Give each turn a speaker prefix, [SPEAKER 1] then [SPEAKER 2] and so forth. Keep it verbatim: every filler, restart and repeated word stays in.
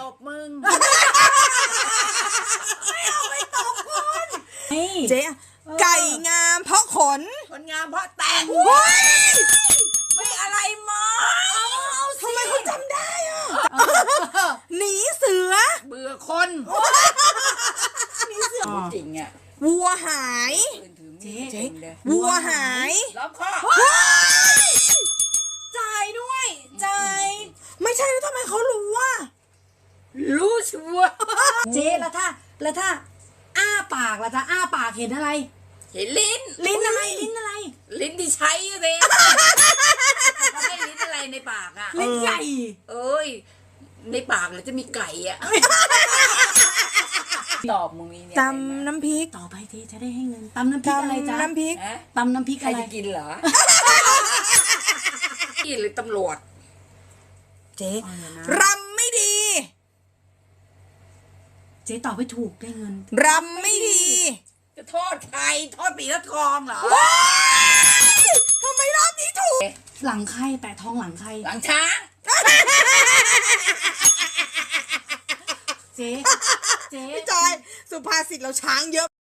[SPEAKER 1] บมึง
[SPEAKER 2] ไม่เอาไม่ตกคน
[SPEAKER 3] เจ๊ไก่งามเพราะขน
[SPEAKER 1] คนงามเพราะแต่งไม่อะไรมา
[SPEAKER 3] ทำไมเขาจำได้อ่ะหนีเสือ
[SPEAKER 1] เบื่อคนนี่เสือจริงอ่ะ
[SPEAKER 3] วัวหาย
[SPEAKER 1] เจ๊เจ๊
[SPEAKER 3] วัวหาย
[SPEAKER 1] ล้อมคอ
[SPEAKER 2] จ่ายด้วยจ่าย
[SPEAKER 3] ไม่ใช่แล้วทำไมเขารู้ว่า
[SPEAKER 1] รู้ชัวร์
[SPEAKER 2] เจ๊แล้วถ้าแล้วถ้าอ้าปากล่ะถ้าอ้าปากเห็นอะไร
[SPEAKER 1] เห็นลิ้น
[SPEAKER 2] ลิ้นอะไรลิ้นอะไร
[SPEAKER 1] ลิ้นที่ใช้เลยเขาให้ลิ้นอะไรในปากอ่ะ
[SPEAKER 2] ลิ้นใหญ่
[SPEAKER 1] เอ้ยในปากเลยจะมีไก่อ่ะตอบมึงมีเนี่ย
[SPEAKER 3] ตำน้ำพริก
[SPEAKER 2] ต่อไปเจ๊จะได้ให้เงินตำน้ำพริกอะไรจ๊ะ
[SPEAKER 3] ตำน้ำพริก
[SPEAKER 1] ฮะ
[SPEAKER 2] ตำน้ำพริก
[SPEAKER 1] ใคร
[SPEAKER 2] อะไร
[SPEAKER 1] จะกินเหรอนี่หรือตำรวจ
[SPEAKER 3] เจ๊
[SPEAKER 2] เอาเลยนะ
[SPEAKER 3] รำไม่ดี
[SPEAKER 2] เจ๊ตอบไม่ถูกได้เงิน
[SPEAKER 3] รำไม่ดี
[SPEAKER 1] จะทอดใครทอดปีทอดทองเหรอ
[SPEAKER 3] ทำไมรอบนี้ถูก
[SPEAKER 2] หลังใครแต่ท้องหลังใคร
[SPEAKER 1] หลังช้าง
[SPEAKER 2] เจ๊เจ๊
[SPEAKER 3] พี่จอยสุภาษิตเราช้างเยอะ